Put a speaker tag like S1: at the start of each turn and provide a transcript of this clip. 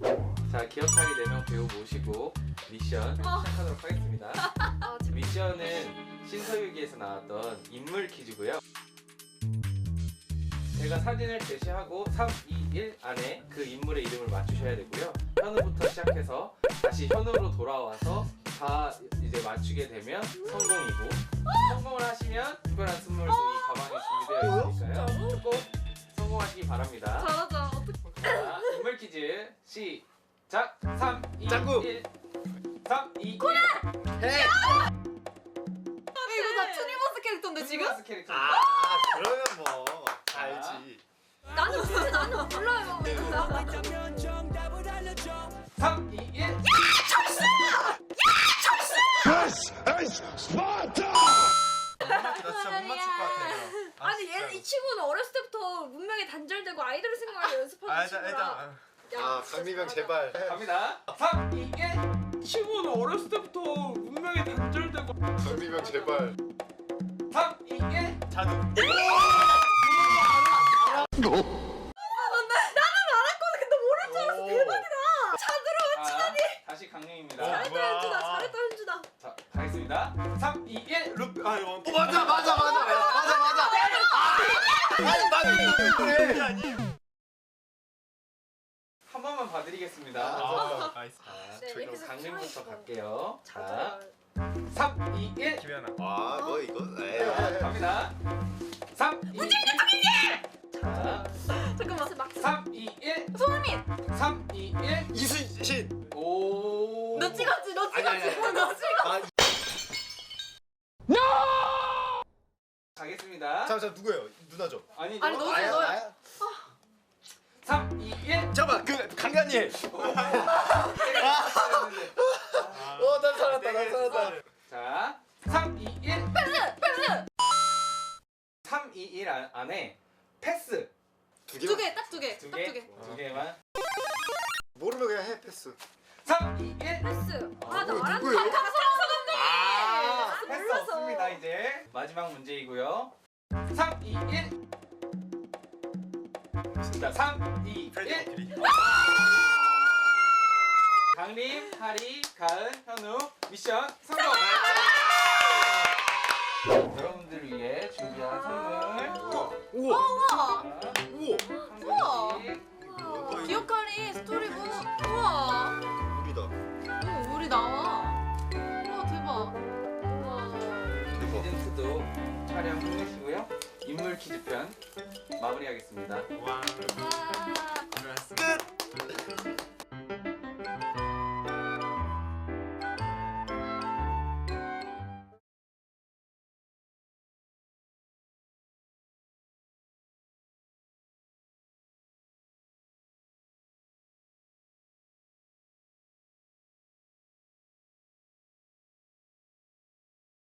S1: 자, 기억하기 4명 배우 모시고 미션 시작하도록 하겠습니다. 미션은 신서유기에서 나왔던 인물 퀴즈고요. 제가 사진을 제시하고 3, 2, 1 안에 그 인물의 이름을 맞추셔야 되고요. 현우부터 시작해서 다시 현우로 돌아와서 다 이제 맞추게 되면 성공이고, 성공을 하시면 특별한 선물 이 가방에 준비되어 있으니까요. 꼭 성공하시기 바랍니다.
S2: 잘하자.
S1: 자, 인물 퀴즈 시작. 3, 2,
S3: 짱구.
S1: 1 3, 2, 1
S3: 해!
S2: 이거 다 투니버스 캐릭터인데 지금?
S1: 투니버스 캐릭터.
S3: 그러면 뭐 알지.
S2: 나는 몰라요.
S1: 3, 2, 1
S3: 나 진짜 못 맞출 것 같아.
S2: 아니 얘 이 친구는 어렸을 때부터 문명에 단절되고 아이돌 생활을 연습하는 친구라.
S3: 강미경 제발.
S1: 갑니다. 3, 2, 1
S4: 친구는 어렸을 때부터 문명에 단절되고
S3: 강미경 제발.
S1: 3, 2, 1
S3: 자두.
S2: 나는 알았거든. 근데 모를 줄 알았어. 대박이다.
S1: 자, 다시 강림입니다.
S2: 잘했다
S3: 뭐야.
S2: 현주다. 잘했다 현주다.
S1: 자, 가겠습니다. 3, 2, 1
S3: 원피. 맞아. 아니 맞는 그래. 아니.
S1: 한 번만 봐드리겠습니다.
S3: 나이스.
S2: 네,
S1: 그럼
S2: 이렇게
S1: 강림부터
S2: 해서
S1: 갈게요. 자,
S2: 자주.
S1: 3, 2, 1
S3: 김연아. 너 이거.
S1: 갑니다. 3, 2, 1 자,
S2: 잠깐만. 막
S1: 3, 2, 1
S2: 손흥민.
S1: 3, 2, 1
S3: 이순신.
S1: 오.
S2: 너 찍었지. 너
S3: 아니.
S2: 찍었지. 너 찍었지.
S1: 가겠습니다.
S3: 잠깐 누구예요? 누나죠?
S1: 아니,
S2: 아니,
S1: 너.
S2: 너지, 너야.
S1: 3, 2, 1
S3: 잠깐만 그 강간님. 난 살았다.
S1: 자, 3, 2, 1
S2: 패스.
S1: 3, 2, 1 안에 패스
S3: 두 개.
S2: 두 개. 딱 두 개.
S1: 두
S2: 딱
S1: 개?
S2: 두 개.
S1: 두 개만.
S3: 모르면 그냥 해 패스.
S1: 3, 2, 1
S2: 패스. 나
S3: 누구예요?
S2: 말한
S3: 누구예요?
S2: 박성수 감독님.
S1: 패스
S2: 몰라서.
S1: 없습니다. 이제 마지막 문제이고요. 3, 2, 1 자, 3, 2, 1 강림, 하리, 가은, 현우 미션 성공! 여러분들을 위해 준비한 선물
S3: 우와.
S2: 우와.
S3: 우와.
S1: 한 분씩
S2: 기억하리 스토리북. 우와.
S3: 우리다.
S2: 우리 나와. 우와 대박. 우와.
S1: 시즌2도 촬영 끝내시고요. 인물 퀴즈편 마무리하겠습니다.
S3: 와.